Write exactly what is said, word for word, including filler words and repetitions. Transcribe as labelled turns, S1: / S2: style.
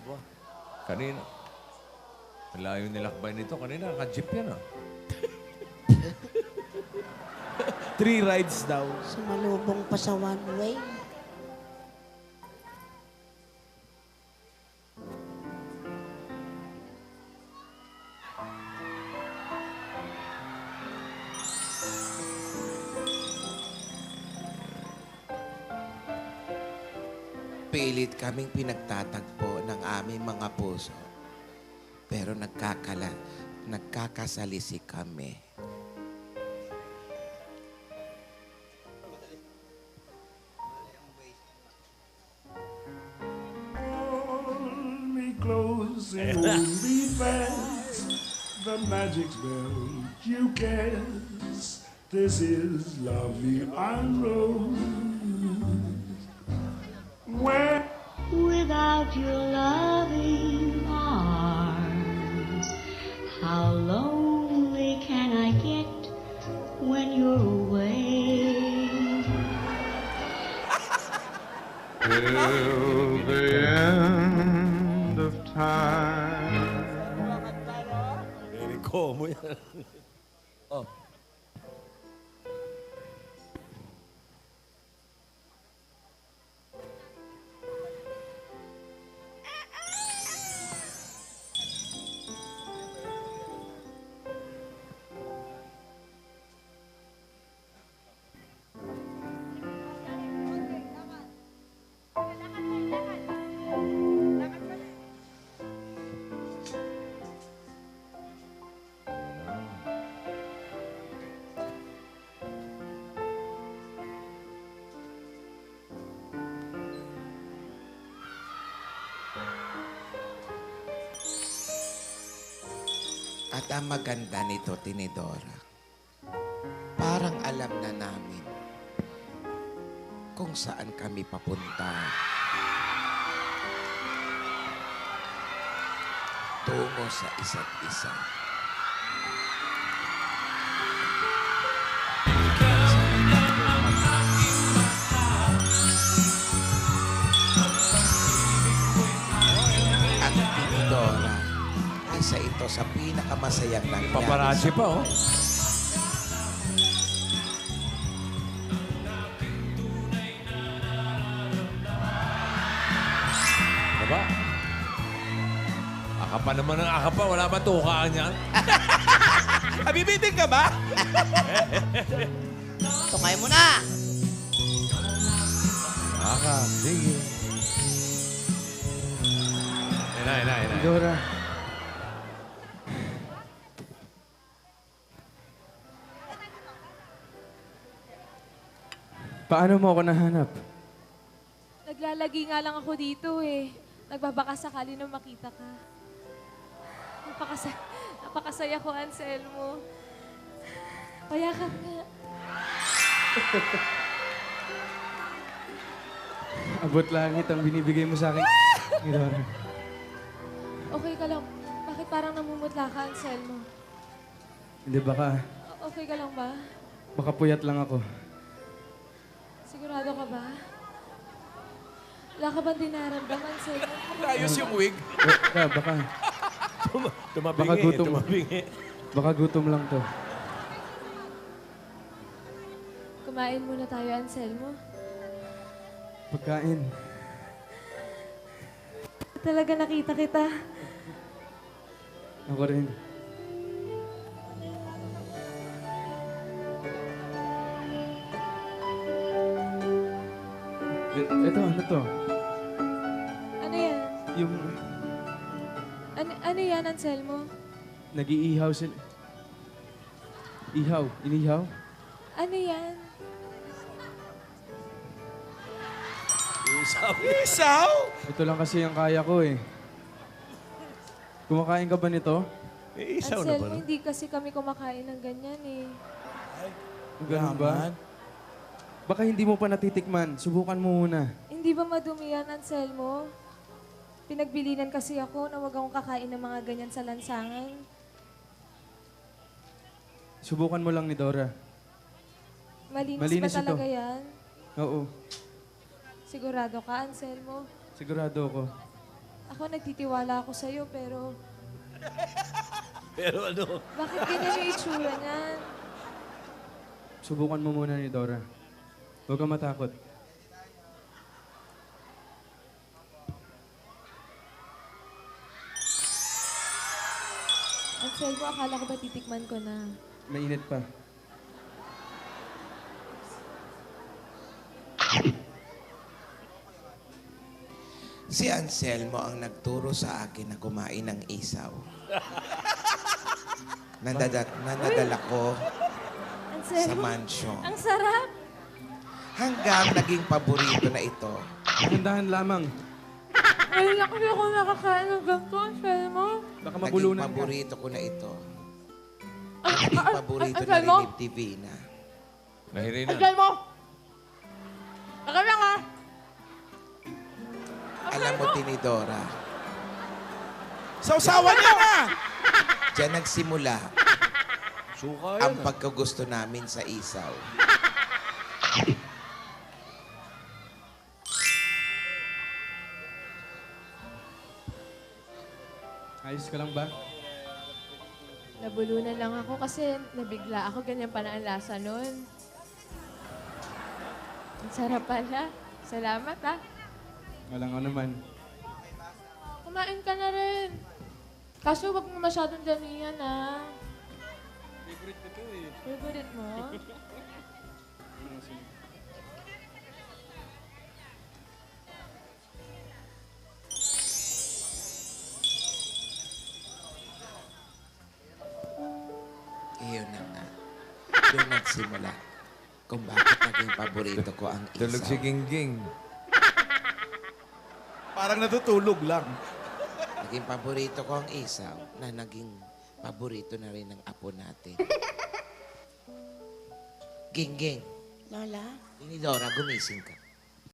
S1: Aba, kanina. Malayo nilakbay nito. Kanina, naka-jeep yan ah.
S2: Three rides daw.
S3: Sumalubong pa sa one way.
S4: Pilit kaming pinagtatagpo ng aming mga puso. Pero nagkakala, nagkakasalisi kami.
S5: Hold me close and hold me fast. The magic spell you cast. This is lovely unrose. When
S6: Without your loving arms, how lonely can I get when you're away?
S7: Till the end of time.
S2: Very common yan. Oh.
S4: At ang maganda nito, Tinidora, parang alam na namin kung saan kami papunta. Tungo sa isa't isa. At Tinidora, isa ito sa pinakamasayang nangyari.
S1: Paparazzi pa oh. Diba? Aka pa naman ang aka pa. Wala ba tukaan yan?
S2: Abibitin ka ba?
S3: Tukay mo na!
S1: Aka, sige. Ina, ina, ina.
S7: Dora. Paano mo ako nahanap?
S8: Naglalagi nga lang ako dito eh. Nagbabaka sakali na makita ka. Napakasaya, napakasaya ko, Anselmo. Payakap nga.
S7: Abot langit ang binibigay mo sa akin. ni Dora.
S8: Okay ka lang. Bakit parang namumutla ka, Anselmo?
S7: Hindi baka,
S8: O- Okay ka lang ba?
S7: baka puyat lang ako.
S8: Sigurado ka ba? Wala ka bang dinaramdaman, Anselmo?
S2: Ayos yung wig.
S7: Baka, baka,
S2: Tumabingi,
S7: Baka gutom.
S2: tumabingi.
S7: baka gutom lang to.
S8: Kumain muna tayo, Anselmo.
S7: Pagkain.
S8: Talaga nakita kita.
S7: Ako rin. E- Eto, ano to?
S8: Ano yan?
S7: Yung
S8: Ano, ano yan, Anselmo?
S7: nag-iihaw sila. Ihaw. Inihaw?
S8: Ano yan?
S2: Isaw. Isaw?
S7: Ito lang kasi yung kaya ko eh. Kumakain ka ba nito?
S2: Eh, isaw na ba?
S8: Anselmo,
S2: no?
S8: hindi kasi kami kumakain ng ganyan eh.
S7: Ganun ba? Baka hindi mo pa natitikman. Subukan mo muna.
S8: Hindi ba madumi yan, Anselmo? Pinagbilinan kasi ako na wag akong kakain ng mga ganyan sa lansangan.
S7: Subukan mo lang ni Dora.
S8: Malinis,
S7: Malinis
S8: ba talaga
S7: ito.
S8: yan?
S7: Oo.
S8: Sigurado ka, Anselmo?
S7: Sigurado ako.
S8: Ako nagtitiwala ako sa'yo, pero
S2: Pero ano?
S8: bakit ganyan yung itsura niyan?
S7: Subukan mo muna ni Dora. Huwag kang matakot.
S8: Anselmo, akala ko ba titikman ko na?
S7: Mainit pa.
S4: Si Anselmo ang nagturo sa akin na kumain ng isaw. Nandada, nanadala ko sa
S8: Anselmo,
S4: mansyon.
S8: ang sarap!
S4: Hanggang naging paborito na ito.
S7: Dahan-dahan lamang.
S8: Ngayon lang kasi ako nakakain ng ganito, Anselmo.
S7: Baka
S4: Naging
S7: mabulunan ka.
S4: paborito ko na ito.
S8: Ang
S4: Naging paborito na rin ni Divina.
S1: Nahirinan.
S8: Anselmo! Teka lang ah!
S4: Alam mo, Tinidora,
S2: Sausawan niya na!
S4: diyan nagsimula
S2: Suka
S4: ang
S2: yan. ah.
S4: pagkagusto namin sa isaw.
S7: Ayos ka lang ba?
S8: Nabulunan lang ako kasi nabigla ako. Ganyan pala ang lasa nun. Ang sarap pala. Salamat ah.
S7: Walang ano naman.
S8: Kumain ka na rin. Kaso wag mo masyadong damihan ah.
S7: Favorite ko to eh.
S8: Favorite mo?
S4: Iyon na nga. Doon nagsimula kung bakit naging paborito ko ang isaw.
S1: Tulog si Gingging.
S2: Parang natutulog lang.
S4: Naging paborito ko ang isaw na naging paborito na rin ng apo natin. Gingging,
S3: Lola,
S4: Tinidora, gumising ka.